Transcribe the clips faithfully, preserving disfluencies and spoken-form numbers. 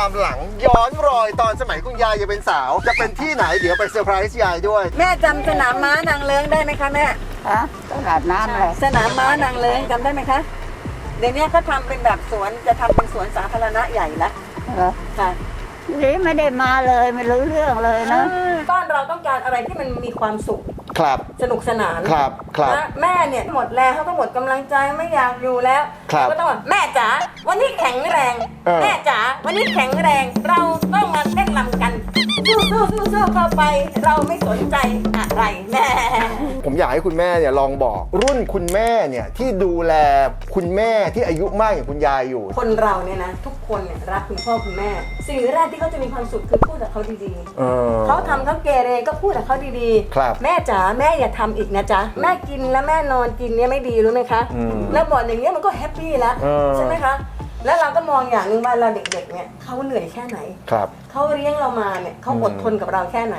ความหลังย้อนรอยตอนสมัยคุณยายยังเป็นสาวจะเป็นที่ไหนเดี๋ยวไปเซอร์ไพรส์ยายด้วยแม่จำสนามม้านางเลิ้งได้ไหมคะแม่ฮะตลาดน้ำเลยสนามม้านางเลิ้งจำได้ไหมคะเดี๋ยวนี้เขาทำเป็นแบบสวนจะทำเป็นสวนสาธารณะใหญ่ละเหรอค่ะนี่ไม่ได้มาเลยไม่รู้เรื่องเลยนะบ้านเราต้องการอะไรที่มันมีความสุขครับสนุกสนานครับครับแม่เนี่ยหมดแรงเขาก็หมดกำลังใจไม่อยากอยู่แล้วก็ต้องว่าแม่จ๋าวันนี้แข็งแรงแม่จ๋าวันนี้แข็งแรงเราต้องมาเต้นรำกันสู้สู้สู้สู้เข้าไปเราไม่สนใจอะไรแม่ผมอยากให้คุณแม่เนี่ยลองบอกรุ่นคุณแม่เนี่ยที่ดูแลคุณแม่ที่อายุมากอย่างคุณยายอยู่คนเราเนี่ยนะทุกคนเนี่ยรักคุณพ่อคุณแม่สิ่งแรกที่เขาจะมีความสุขคือพูดกับเขาดีๆเขาทำเขาเกเรก็พูดกับเขาดีๆแม่จ๋าแม่อย่าทำอีกนะจ๊ะแม่กินแล้วแม่นอนกินเนี่ยไม่ดีรู้ไหมคะแล้วบอกอย่างเงี้ยมันก็แฮปปี้แล้วใช่ไหมคะแล้วเราก็มองอย่างหนึ่งว่าเราเด็กๆเนี่ยเขาเหนื่อยแค่ไหนเขาเลี้ยงเรามาเนี่ยเขาอดทนกับเราแค่ไหน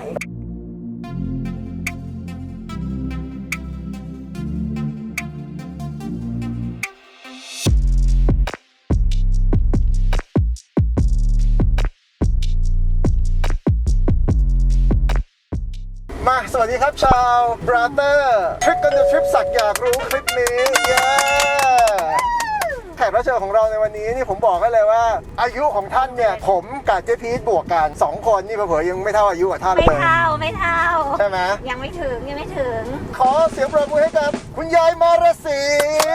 มาสวัสดีครับชาวบราเตอร์ทริปกันเดอะทริปสักอยากรู้คลิปนี้เย้แขกรับเชิญของเราในวันนี้นี่ผมบอกให้เลยว่าอายุของท่านเนี่ยผมกับเจ๊พีทบวกกันสองคนนี่เผลอๆยังไม่เท่าอายุกับท่านเลยไม่เท่าไม่เท่าใช่ไหมยังไม่ถึงยังไม่ถึงขอเสียงปรบมือให้กับคุณยายมารศรี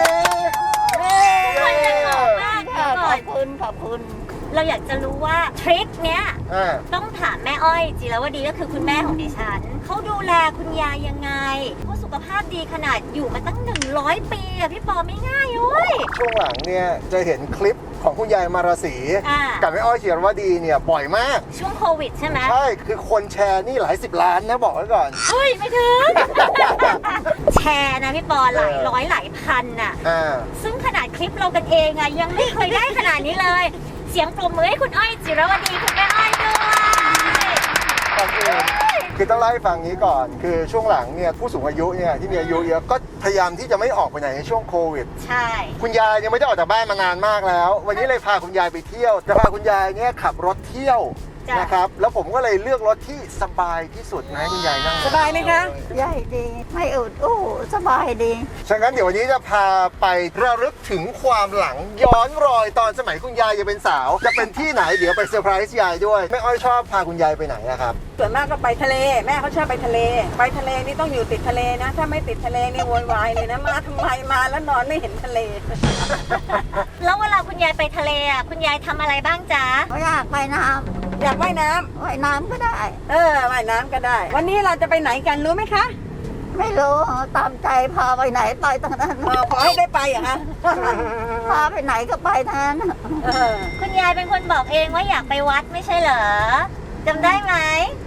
คนจะหล่อมากขอบคุณขอบคุณเราอยากจะรู้ว่าทริคเนี้ยต้องถามแม่อ้อยจิรวดีก็คือคุณแม่ของดิฉันเขาดูแลคุณยายยังไงเขาสุขภาพดีขนาดอยู่มาตั้งหนึ่งร้อยปีอะพี่ปอไม่ง่ายเลยช่วงหลังเนี่ยจะเห็นคลิปของคุณยายมารศรีกับแม่อ้อยจิรวดีเนี่ยบ่อยมากช่วงโควิดใช่ไหมใช่คือคนแชร์นี่หลายสิบล้านนะบอกไว้ก่อนเฮ้ยไม่ถึง แชร์นะพี่ปอหลายร้อยหลายพันอะซึ่งขนาดคลิปเรากันเองอะยังไม่เคยได้ขนาดนี้เลยเสียงปรบมือให้คุณอ้อยจิรวดีคุณแม่อ้อยด้วยคือต้องเล่าให้ฟังนี้ก่อนคือช่วงหลังเนี่ยผู้สูงอายุเนี่ยที่มีอายุเยอะก็พยายามที่จะไม่ออกไปไหนในช่วงโควิดใช่คุณยายยังไม่ได้ออกจากบ้านมานานมากแล้ววันนี้เลยพาคุณยายไปเที่ยวจะพาคุณยายเนี่ยขับรถเที่ยวนะครับแล้วผมก็เลยเลือกรถที่สบายที่สุดนะคุณยายนั่งสบายไหมคะใหญ่ดีไม่อุดอู้สบายดีฉะนั้นเดี๋ยววันนี้จะพาไประลึกถึงความหลังย้อนรอยตอนสมัยคุณยายยังเป็นสาวจะเป็นที่ไหนเดี๋ยวไปเซอร์ไพรส์ยายด้วยแม่อ้อยชอบพาคุณยายไปไหนอะครับส่วนมากก็ไปทะเลแม่เขาชอบไปทะเลไปทะเลนี่ต้องอยู่ติดทะเลนะถ้าไม่ติดทะเลนี่โวยวายเลยนะมาทำไมมาแล้วนอนไม่เห็นทะเลแล้วเวลาคุณยายไปทะเลอ่ะคุณยายทำอะไรบ้างจ๊ะอยากไปน้ำอยากว่ายน้ำว่ายน้ำก็ได้เออว่ายน้ำก็ได้วันนี้เราจะไปไหนกันรู้ไหมคะไม่รู้ตามใจพาไปไหนไปทางนั้นขอให้ได้ไปอะฮะพาไปไหนก็ไปทางนั้นคุณยายเป็นคนบอกเองว่าอยากไปวัดไม่ใช่เหรอจำได้ไหม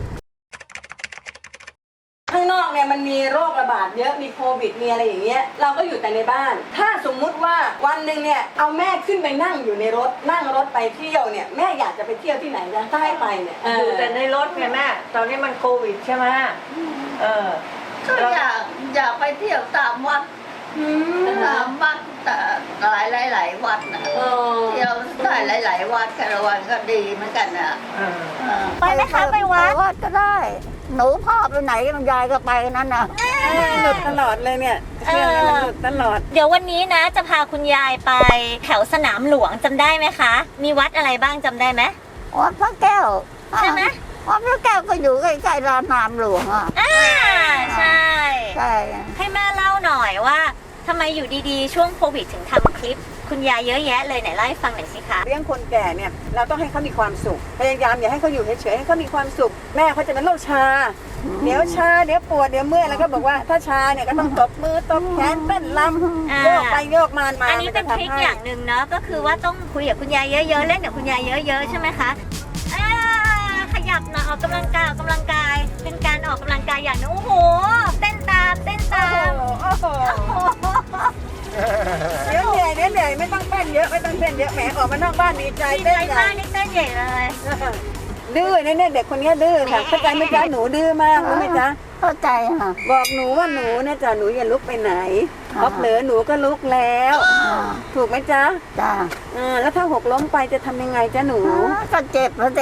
ข้างนอกเนี่ยมันมีโรคระบาดเยอะมีโควิดมีอะไรอย่างเงี้ยเราก็อยู่แต่ในบ้านถ้าสมมุติว่าวันหนึ่งเนี่ยเอาแม่ขึ้นไปนั่งอยู่ในรถนั่งรถไปเที่ยวเนี่ยแม่อยากจะไปเที่ยวที่ไหนนะถ้าให้ไปเนี่ยอยู่แต่ในรถไงแม่ตอนนี้มันโควิดใช่ไหมเออก็อยากอยากไปเที่ยวตามวัดตามวัดแต่หลายหลายหลายวัดนะเที่ยวได้หลายหลายวัดคารวันก็ดีเหมือนกันนะไปไหมคะไปวัดวัดก็ได้หนูพ่อไปไหนมันยายก็ไปนั่นน่ะหลุดตลอดเลยเนี่ยเชื่อไหมมันหลุดตลอดเดี๋ยววันนี้นะจะพาคุณยายไปแถวสนามหลวงจำได้ไหมคะมีวัดอะไรบ้างจำได้ไหมวัดพระแก้วใช่ไหมวัดพระแก้วก็อยู่ใกล้ๆลานสนามหลวงอ่ะอ่าใช่ใช่ให้แม่เล่าหน่อยว่าทำไมอยู่ดีๆช่วงโควิดถึงทำคลิปคุณยายเยอะแยะเลยไหนเล่าให้ฟังหน่อยสิคะเลี้ยงคนแก่เนี่ยเราต้องให้เขามีความสุขพยายามอย่าให้เขาอยู่เฉยๆให้เขามีความสุขแม่เขาจะเป็นโรคชาเดี๋ยวชาเดี๋ยวปวดเดี๋ยวเมื่อยแล้วก็บอกว่าถ้าชาเนี่ยก็ต้องตบมือตบแขนเต้นลำโยกไปโยกมามาอันนี้เป็นทริคอย่างหนึ่งเนาะก็คือว่าต้องคุยกับคุณยายเยอะๆเล่นกับคุณยายเยอะๆใช่ไหมคะขยับหน่อยออกกำลังกายออกกำลังกายเป็นการออกกำลังกายอย่างนึงโอ้โหเต้นตามเต้นตามเดี๋ยวเหนื่อยเดี๋ยวเหนื่อยไม่ต้องเต้นเยอะไม่ต้องเต้นเยอะแหมออกมานอกบ้านดีใจเต้นใหญ่มากนี่เต้นใหญ่เลยนดื้อเนี่ยเด็กคนนี้ดื้อค่ะเข้าใจไหมจ๊ะหนูดื้อมากรู้ไหมจ๊ะเข้าใจค่ะบอกหนูว่าหนูเนี่ยจ้ะหนูอย่าลุกไปไหนพอเผลอหนูก็ลุกแล้ว ถูกไหมจ๊ะจ้าอ่าแล้วถ้าหกล้มไปจะทำยังไงจ๊ะหนูก็เจ็บแล้วสิ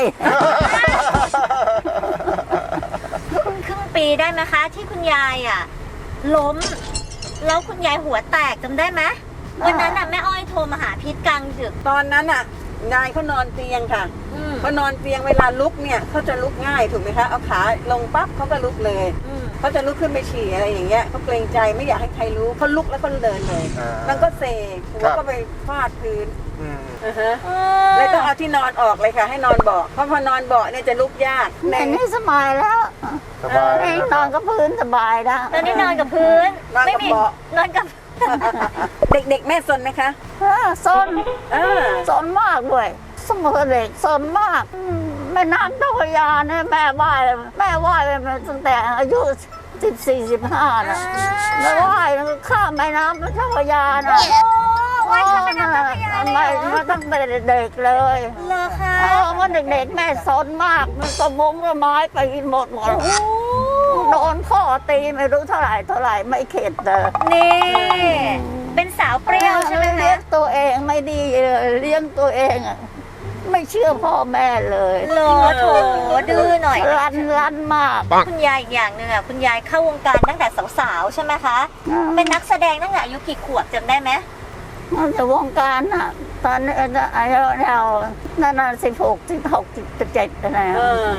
ครึ่งปีได้ไหมคะ ที่คุณยายอ่ะ ล้ม แล้วคุณยายหัวแตกจำได้ไหมวันนั้นน่ะแม่อ้อยโทรมาหาพีทกลางดึกตอนนั้นอ่ะยายเขานอนเตียงค่ะอืมเขานอนเตียงเวลาลุกเนี่ยเขาจะลุกง่ายถูกไหมคะเอาขาลงปั๊บเขาก็ลุกเลยอืมเขาจะลุกขึ้นไปฉี่อะไรอย่างเงี้ยเขาเกรงใจไม่อยากให้ใครรู้เขาลุกแล้วก็เดินเลยอ่ามัมันก็เซหัวครับก็ไปฟาดพื้นอืมอ่าฮะเลยต้องเอาที่นอนออกเลยค่ะ ให้นอนเบาะเพราะพอนอนเบาะเนี่ยจะลุกยากแม่นี่สบายแล้วสบายเองนอนกับพื้นสบายแล้วตอนนี้นอนกับพื้นนอนไม่กับมีเบาะนอนกับเด็กๆแม่สนไหมคะเออซนอ่าซนมากด้วยสมอเด็กซนมากอืมแม่น้ำเจ้าพระยาเนี่ยแม่ว่ายแม่ว่ายมาตั้งแต่อายุสิบสี่สิบห้านะแม่ว่ายข้ามแม่น้ำเจ้าพระยานะว่ายข้ามแม่น้ำเจ้าพระยาเลยเหรอไม่มาตั้งแต่เด็กๆเลยเลอค่ะเออว่าเด็กๆแม่ซนมากมันกระมงกระไม้ไปหมดหมดโดนพ่อตีไม่รู้เท่าไหร่เท่าไหร่ไม่เข็ดเลยนี่ เป็นสาวเปรี้ยวใช่ไหมเลี้ยคะงตัวเองไม่ดีเลยเลี้ยงตัวเองอะไม่เชื่อพ่อแม่เลยเลอโถดื้อหน่อยรันรันมากคุณยายอีกอย่างหนึ่งอ่ะคุณยายเข้าวงการตั้งแต่สาวๆใช่ไหมคะ เป็นนักแสดงตั้งแต่อายุกี่ขวบจำได้ไหมมันจะวงการอ่ะ ตอนนี้อายุเรานั่นน่ะสิบหกสิบหกสิบเจ็ดนะเออ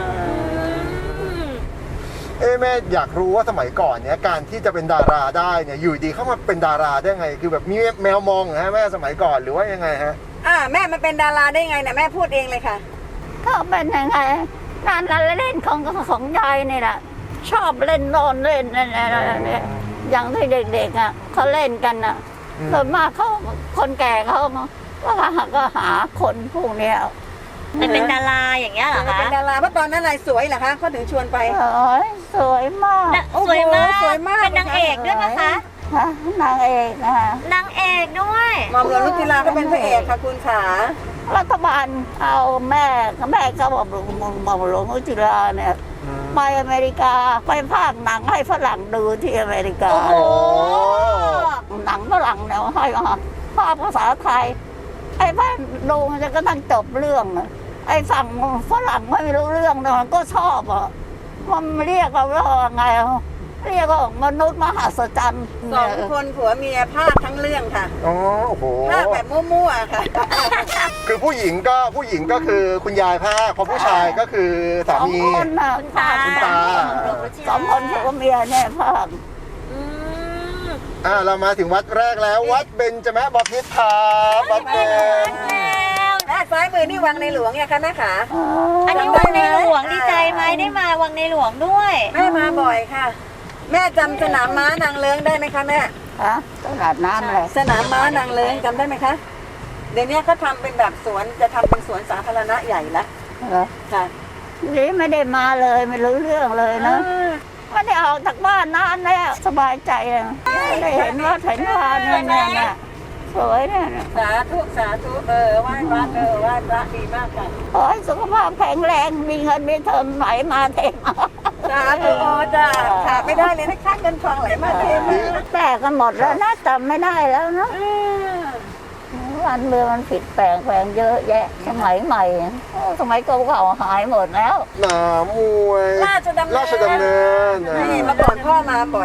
เอ้แม่อยากรู้ว่าสมัยก่อนเนี่ยการที่จะเป็นดาราได้เนี่ยอยู่ดีเข้ามาเป็นดาราได้ไง คือแบบมีแมวมองเหรอฮะแม่สมัยก่อนหรือว่ายังไงฮะอ่าแม่มาเป็นดาราได้ไงเนี่ยแม่พูดเองเลยค่ะก็เป็นยังไงงานละเล่นของของยายนี่แหละชอบเล่นโนอนเล่นนั่นเนี่ยอย่างที่เด็กๆอ่ะเขาเล่นกันอ่ะอืมส่วนมากเขาคนแก่เขาก็หาก็หาคนพวกเนี้ยแต่เป็นดาราอย่างเงี้ยเหรอคะเป็นดาราเพราะตอนนั้นอะไรสวยเหรอคะเขาถึงชวนไปโอ้ยสวยมากน่ะโอ้โหสวยมากสวยมากเป็นนางเอกด้วยนะคะฮะนางเอกนะคะนางเอกด้วยหมอมหลวงรุจิราก็เป็นพระเอกค่ะคุณขารัฐบาลเอาแม่แม่ก็บอกบอกหลวงอุจิราเนี่ยไปอเมริกาไปภาคหนังให้ฝรั่งดูที่อเมริกาโอ้โหหนังฝรั่งเนี่ยให้ภาพภาษาไทยไอ้บ้านดูมันจะก็ตั้งจบเรื่องอะไอ้ฝั่งฝรั่งไม่รู้เรื่องเนี่ยมันก็ชอบอ่ะมันเรียกเราว่าไงอะเรียกว่ามนุษย์มหัศจรรย์สองคนผัวเมียภาคทั้งเรื่องค่ะอ๋อโอ้โหภาคแบบมั่วๆค่ะคือผู้หญิงก็ผู้หญิงก็คือคุณยายภาคพอผู้ชายก็คือสาสองมีคนน่ะคุณตาคุณตาสองคนผัวเมียเนี่ยภาคอืมอ่าเรามาถึงวัดแรกแล้ว วัดเบญจมบพิตรครับวัดเบญแล้วด้านซ้ายมือนี่วังในหลวงไงคะแม่ขาอันนี้วังในหลวงดีใจไหมได้มาวังในหลวงด้วยแม่มาบ่อยค่ะ แม่จำสนามม้านางเลิ้งได้ไหมคะแม่ฮะตลาดน้ำอะไรสนามม้านางเลิ้งจำได้ไหมคะเดี๋ยวนี้เขาทำเป็นแบบสวนจะทำเป็นสวนสาธารณะใหญ่ละเหรอค่ะนี่ไม่ได้มาเลยไม่รู้เรื่องเลยนะไม่ได้ออกจากบ้านนานแล้วสบายใจอะได้เห็นว่าเห็นว่าเนี่ยเนี่ยเนี่ยสวยเนี่ยสาธุสาธุเออไหว้พระเออไหว้พระดีมากค่ะขอให้สุขภาพแข็งแรงมีเงินมีเทอมไหลมาเทมาสาธุโอจ้าขาดไม่ได้เลยนะคะเงินทองไหลมาเทมาแตกกันหมดแล้วนะจำไม่ได้แล้วเนาะวันเมืองมันผิดแปลงแปลงเยอะแยะสมัยใหม่โอ้สมัยเก่าๆหายหมดแล้วหนามวยราชดำเนินราชดำเนินอ่ะนี่เมื่อก่อนพ่อมาบ่อย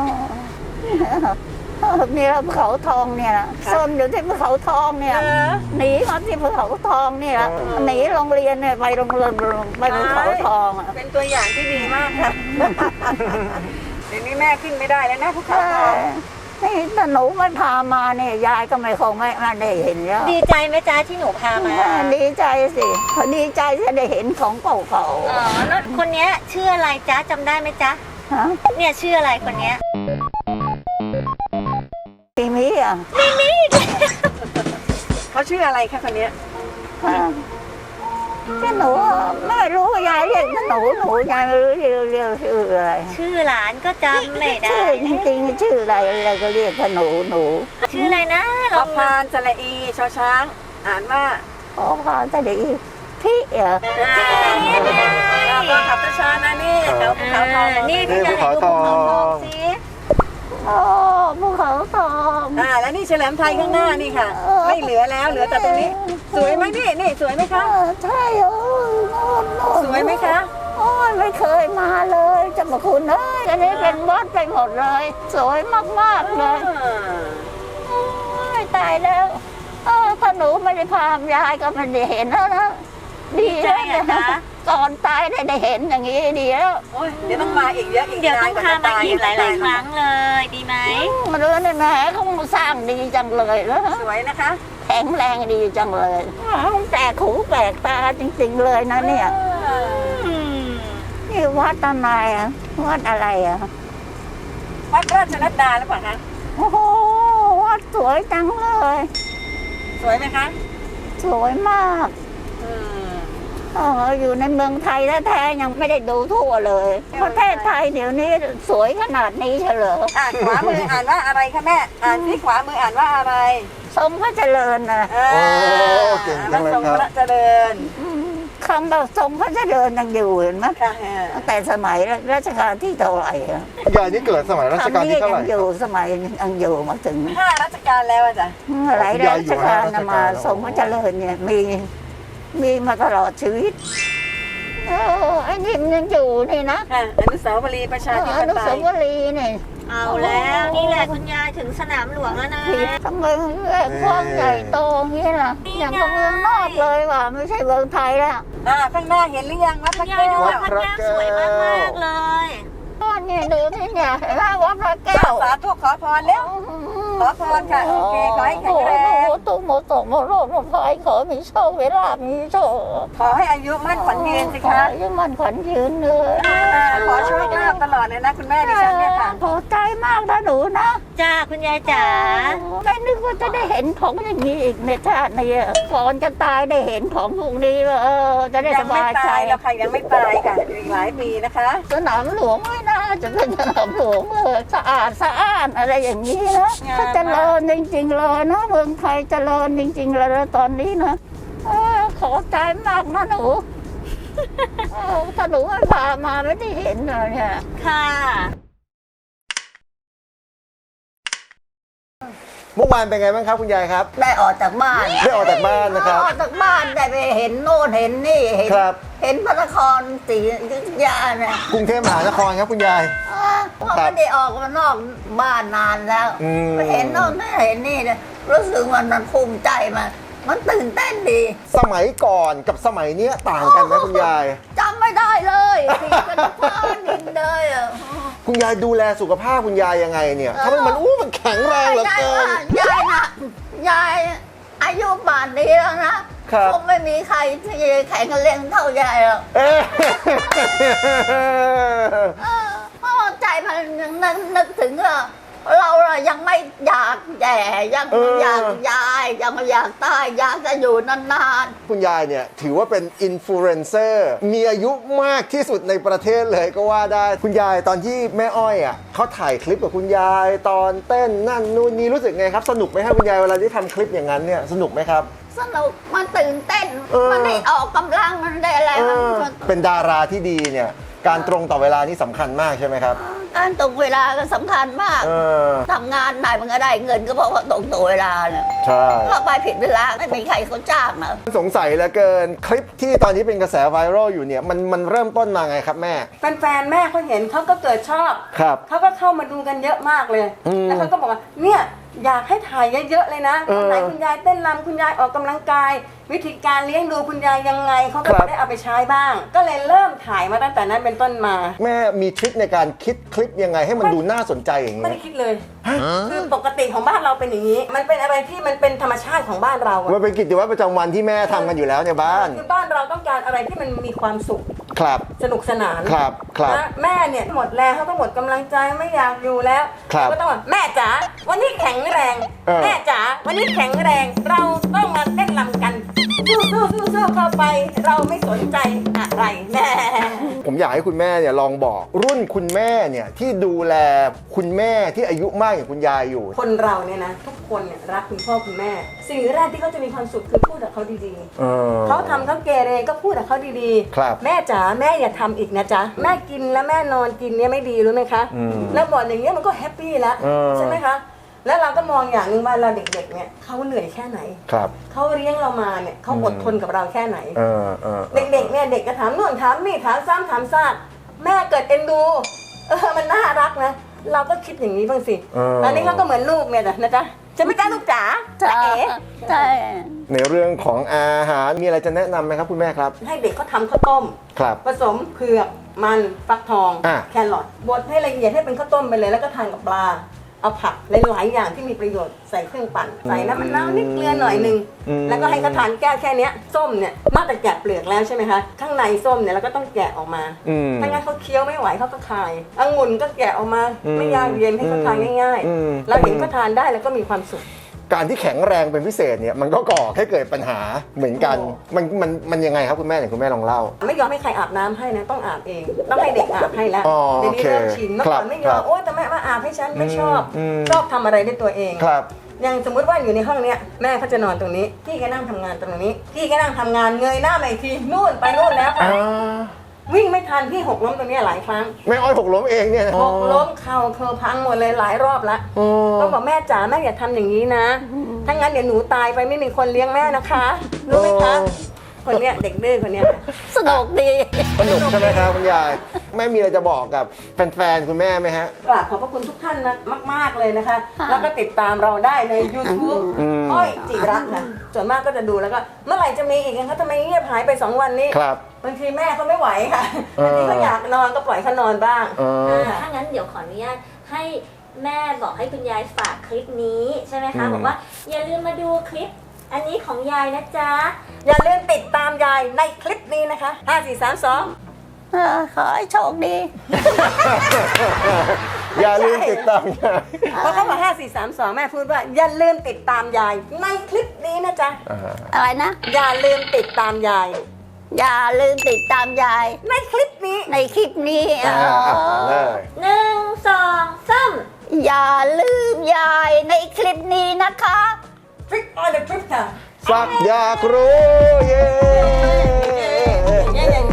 อ๋อนี่เราภูเขาทองเนี่ยนะซ่อนอยู่ที่ภูเขาทองเนี่ยเออหนีมาที่ภูเขาทองเนี่ยหนีโรงเรียนเนี่ยไปโรงเรียนไปภูเขาทองอ่ะเป็นตัวอย่างที่ดีมากค่ะ เดี๋ยวนี้แม่ขึ้นไม่ได้แล้วนะภูเขาทองนี่ถ้าหนูไม่พามาเนี่ยยายก็ไม่คงไม่ไม่ได้เห็นแล้วดีใจไหมจ๊ะที่หนูพามาดีใจสิดีใจที่ได้เห็นของเก่าอ๋อแล้วคนเนี้ยชื่ออะไรจ๊ะจำได้ไหมจ๊ะๆฮะเนี่ยชื่ออะไรคนเนี้ยปีนี้อ่ะเขาชื่ออะไรคะคนเนี้ยที่หนูไม่รู้ยายเรียกหนูหนูยายไม่รู้เรียกเรียกชื่ออะไรชื่อหลานก็จำไม่ได้ชื่อจริงๆชื่ออะไรอะไรก็เรียกว่าหนูหนูชื่ออะไรนะพลอองพานสระอีชอช้าง อ่านว่าขอพาจะดีธิเหรอก็ขับช้าๆนะนี่เขาภูเขาทองนี่นี่พี่ภูจะเขาไหนทดูอภูเขาทองงสิโอ้ภูเขาทองอ่าแล้วนี่เฉลิมไทยข้างหน้านี่ค่ะ ไม่เหลือแล้วเหลือแต่ตรงนี้ สวยไหมนี่นี่สวยไหมเอคะอใช่โอ้ยโน่นโน่นสวยไหมคะโอ้ยไม่เคยมาเลยเจะมาคุณเอ้ยอันนี้เป็นวัดไปหมดเลย สวยมากๆเลยโอ้ยตายแล้วเออถ้าหนูไม่ได้พามยายก็ไม่ได้เห็นแล้วนะดีแล้วเนี่ยก่อนตายได้ได้เห็นอย่างนี้ดีแล้วโอ้ยเดี๋ยวต้องมาอีกเยอะอีกเดี๋ยวต้องนนพาจะมาอีกหลาย ๆ ครั้งเลย ดีไหมมาเรื่องนี่แหมเขาสร้างดีจังเลยแล้วสวยนะคะแข็งแรงดีจังเลยแปลกหูแปลกตาจริงๆเลยนะเนี่ยอืมนี่วัดอะไรอ่ะวัดอะไรอ่ะวัดราชนัดดาหรือเปล่าคะโอ้โหวัดสวยจังเลยสวยไหมคะสวยมากอืมเอออยู่ในเมืองไทยแท้ๆยังไม่ได้ดูทั่วเลยประเทศไทยเดี๋ยวนี้สวยขนาดนี้เฉลยอ่านขวามืออ่านว่าอะไรคะแม่อ่านที่ขวามืออ่านว่าอะไรทรงพระเจริญนะอ่าโอ้เก่งจังเลยครับพะทรงพระเจริญอืมคำว่าทรงพระเจริญยังอยู่เห็นไหมค่ะตั้งแต่สมัยรัชกาลที่เท่าไหร่อะยายนี่เกิดสมัยรัชกาลที่เท่าไหร่คำนี้ยังอยู่สมัยยังอยู่มาถึงห้ารัชกาลแล้วอะจ้ะหลายรัชกาลนะมาทรงพระเจริญเนี่ยมีมีมาตลอดชีวิตเออไอ้นี่มันยังอยู่นี่นะค่ะอนุสาวรีย์ประชาธิปอนุไตสาย วรีย์นี่เอาแล้วนี่แหละคุณยายถึงสนามหลวงแล้วนะที่ทำไมกว้างใหญ่โตอย่างนี้ล่ะอย่างกับเมืองนอกเลยว่ะไม่ใช่เมืองไทยแล้วอ่าข้างหน้าเห็นหรือยังวัดพระยาแก้ยดูววัดพระแก้วสวยมากๆเลยก็นี่ดูนี่เนี่ยเห็นไหมวัดพระแก้วสาธุขอพรแล้ว ขอพรค่ะโอเคขอให้แข็งแรงโอ้โหตุ้มโมโตโมโรดโมพายขอมีโชคเวลามีโชคขอให้อายุมั่นขวัญยืนสิขอคะให้มันขวัญยืนเลยอ่าขอโชคลาภตลอดเลยนะคุณแม่ดิฉันเนี่ยค่ะพอใจมากนะหนูนะจ้าคุณยายจ๋าไม่นึกว่าจะได้เห็นของอย่างนี้อีกในชาตินี้ก่อนจะตายได้เห็นของพวกนี้ว่าเออจะได้ยัสงไม่บายใจตายแล้วค่ะยังไม่ตายค่ะอีกหลายปีนะคะสนามหลวงไม่น่าจะเป็นสนามหลวงเลยสะอาดสะอ้านอะไรอย่างนี้นะถ้าเจริญจริงๆเลยนะเมืองไทยเจริญจริงๆเลยนะตอนนี้นะเออขอใจมากนะหนูเออถ้าหนูไม่พามาไม่ได้เห็นเลยเนี่ยค่ะเมื่อวานเป็นไงบ้างครับคุณยายครับได้ออกจากบ้านได้ออกจากบ้านนะครับออกจากบ้านได้ไปเห็นโน่นเห็นนี่เห็นครับเห็นพระนครศรีอยุธยาเนี่ยกรุงเทพมหานครครับคุณยายอ่าเพราะไม่ได้ออกมานอกบ้านนานแล้วอืมไปเห็นโน่นเห็นนี่เนี่ยรู้สึกมันมันภูมิใจมันมันตื่นเต้นดีสมัยก่อนกับสมัยเนี้ยต่างกันไหมคุณยายจำไม่ได้เลยสีกันฟ้าดินเลยอ่ะคุณยายดูแลสุขภาพคุณยายยังไงเนี่ยทำไมมันอู้มันแข็งแรงเหลือายเกินว่ายายนะยายอายุป่านนี้แล้วนะครับ คงไม่มีใครที่แข็งแรงเท่ายายหรอกเอ๊ะเออเพราะว่าใจมันยังนึกนึกถึงอะเราอะยังไม่อยากแย่ยังอยากยายยังอยากตายอยากจะอยู่นานคุณยายเนี่ยถือว่าเป็นอินฟลูเอนเซอร์มีอายุมากที่สุดในประเทศเลยก็ว่าได้ คุณยายตอนที่แม่อ้อยอ่ะเขาถ่ายคลิปกับคุณยายตอนเต้นนั่นนู่นนี่รู้สึกไงครับสนุกไหมครับคุณยายเวลาที่ทำคลิปอย่างนั้นเนี่ยสนุกไหมครับๆสนุกมันตื่นเต้นเออมันได้ออกกำลังมันได้อะไรเอมันอเป็นดาราที่ดีเนี่ยการตรงต่อเวลานี่สำคัญมากใช่ไหมครับการตรงเวลาก็สำคัญมากเออทำงานไหนมันก็ได้เงินก็เพราะว่าตรงตัวเวลาเนี่ยใช่ถ้าไปผิดเวลาไม่มีใครเขาจ้างนะสงสัยเหลือเกินคลิปที่ตอนนี้เป็นกระแสไวรัลอยู่เนี่ยมันมันเริ่มต้นมาไงครับแม่แฟนๆแม่เขาเห็นเขาก็เกิดชอบครับเขาก็เข้ามาดูกันเยอะมากเลยอืมแล้วเขาก็บอกว่าเนี่ยอยากให้ถ่ายเยอะๆเลยนะเออวันไหนคุณยายเต้นรำคุณยายออกกำลังกาย วิธีการเลี้ยงดูคุณยายยังไงเขาก็ครับจะได้เอาไปใช้บ้าง ก็เลยเริ่มถ่ายมาตั้งแต่นั้นเป็นต้นมาแม่มีทริคในการคิดคลิปยังไงให้มันดูน่าสนใจอย่างไม่นี้ได้คิดเลย คือปกติของบ้านเราเป็นอย่างนี้ มันเป็นอะไรที่มันเป็นธรรมชาติของบ้านเราอะมันเป็นกิจวัตรประจำวันที่แม่ทำกันอยู่แล้วในบ้านคือบ้านเราต้องการอะไรที่มันมีความสุขครับสนุกสนานครับครับนะแม่เนี่ยหมดแรงเขาก็หมดกำลังใจไม่อยากอยู่แล้วครับก็ต้องว่าแม่จ๋าวันนี้แข็งแรงเออแม่จ๋าวันนี้แข็งแรง เราต้องมาเต้นรำกันอสู้สู้สู้สู้เข้าไป เราไม่สนใจอะไรแน่ผมอยากให้คุณแม่เนี่ยลองบอกรุ่นคุณแม่เนี่ยที่ดูแลคุณแม่ที่อายุมากอย่างคุณยายอยู่คนเราเนี่ยนะทุกคนเนี่ยรักคุณพ่อคุณแม่ สิ่งแรกที่เขาจะมีความสุขคือพูดกับเขาดีๆเออเขาทำเขาเกเรก็พูดกับเขาดีครับแม่จ๋าแม่อย่าทำอีกนะจ๊ะแม่กินแล้วแม่นอนกินเนี่ยไม่ดีรู้ไหมคะอืมแล้วบอกอย่างเงี้ยมันก็แฮปปี้แล้วเออใช่ไหมคะแล้วเราก็มองอย่างหนึ่งว่าเราเด็กๆเนี่ยเขาเหนื่อยแค่ไหนครับเขาเลี้ยงเรามาเนี่ยเขาอดทนกับเราแค่ไหนเออเออเด็กๆเนี่ยเด็กก็ถามนู่นถามนี่ถามซ้ำถามซากแม่เกิดเอ็นดูเออมันน่ารักนะเราก็คิดอย่างนี้บ้างสิเออตอนนี้เขาก็เหมือนลูกเนี่ยนะจ๊ะจะไม่จ้าลูกจ๋าใช่จ๊ะเอ๋ใช่ในเรื่องของอาหารมีอะไรจะแนะนำไหมครับคุณแม่ครับให้เด็กเขาทำข้าวต้มครับผสมเผือกมันฟักทองอ่ะแครอทบดให้ละเอียดให้เป็นข้าวต้มไปเลยแล้วก็ทานกับปลาเอาผักหลายๆอย่างที่มีประโยชน์ใส่เครื่องปั่นใส่น้ำมะนาวนิดเกลือหน่อยหนึงอืมแล้วก็ให้เขาทานแก้วแค่เนี้ยส้มเนี่ยนอกจากแกะเปลือกแล้วใช่ไหมคะข้างในส้มเนี่ยเราก็ต้องแกะออกมาอืมถ้างั้นเขาเคี้ยวไม่ไหวเขาก็คายองุ่นก็แกะออกมาอืมไม่ยากเย็นให้เขาทานง่ายอืมๆ เราเห็นเขาทานได้แล้วก็มีความสุขการที่แข็งแรงเป็นพิเศษเนี่ยมันก็ก่อให้เกิดปัญหาเหมือนกันโอ้มันมันมันยังไงครับคุณแม่เนี่ยคุณแม่ลองเล่าไม่ยอมให้ใครอาบน้ำให้นะต้องอาบเอง ต้องให้เด็กอาบให้แล้วอ๋อเดี๋ยวนี้โอเคเริ่มชินเมื่อก่อนไม่ยครัอมบโอ้แต่แม่มาอาบให้ฉันไม่ชอบอืมชอบทำอะไรด้วยตัวเองครับอย่างสมมติว่าอยู่ในห้องเนี้ยแม่เขาจะนอนตรงนี้พี่ก็นั่งทำงานตรงนี้พี่ก็นั่งทำงานเงยหน้ามาอีกทีนู่นไปนู่นแล้วค่ะอ่าวิ่งไม่ทันพี่หกล้มตรงเนี้ยหลายครั้งแม่อ้อยหกล้มเองเนี่ยนะหกล้มเข่าเคอพังหมดเลยหลายรอบละอ๋อต้องบอกแม่จ๋าแม่อย่าทำอย่างนี้นะถ้างั้นเดี๋ยวหนูตายไปไม่มีคนเลี้ยงแม่นะคะรู้ไหมคะคนเนี้ยเด็กดื้อคนเนี้ยสนุกดีสนุกใช่ไหมครับคุณยายแม่มีอะไรจะบอกกับแฟนๆคุณแม่ไหมฮะกราบขอบพระคุณทุกท่านนะมาก ๆ เลยนะคะ แล้วก็ติดตามเราได้ใน YouTube อืมอ้อยจิรัตน์นะส่วนมากก็จะดูแล้วก็เมื่อไหร่จะมีอีกนะคะทำไมเงียบหายไปสองวันนี้ครับบางทีแม่เขาไม่ไหวค่ะเออบางทีเขาอยากนอนก็ปล่อยเขานอนบ้างเออค่ะถ้างั้นเดี๋ยวขออนุญาตให้แม่บอกให้คุณยายฝากคลิปนี้ใช่ไหมคะอืมบอกว่าอย่าลืมมาดูคลิป อันนี้ของยายนะจ๊ะอย่าลืมติดตามยายในคลิปนี้นะคะห้า สี่ สาม สองเออขอให้โชคดีอย่าลืมติดตามยายเพราะเขาบอกห้า สี่ สาม สองแม่พูดว่าอย่าลืมติดตามยายในคลิปนี้นะจ๊ะอ่าอะไรนะอย่าลืมติดตามยายอย่าลืมติดตามยายในคลิปนี้ในคลิปนี้อ่าอ๋ออ่าเลยหนึ่งสองสามอย่าลืมยายในคลิปนี้นะคะ Trick or the Trip ค่ะสักอยากรู้เย้เย้เย้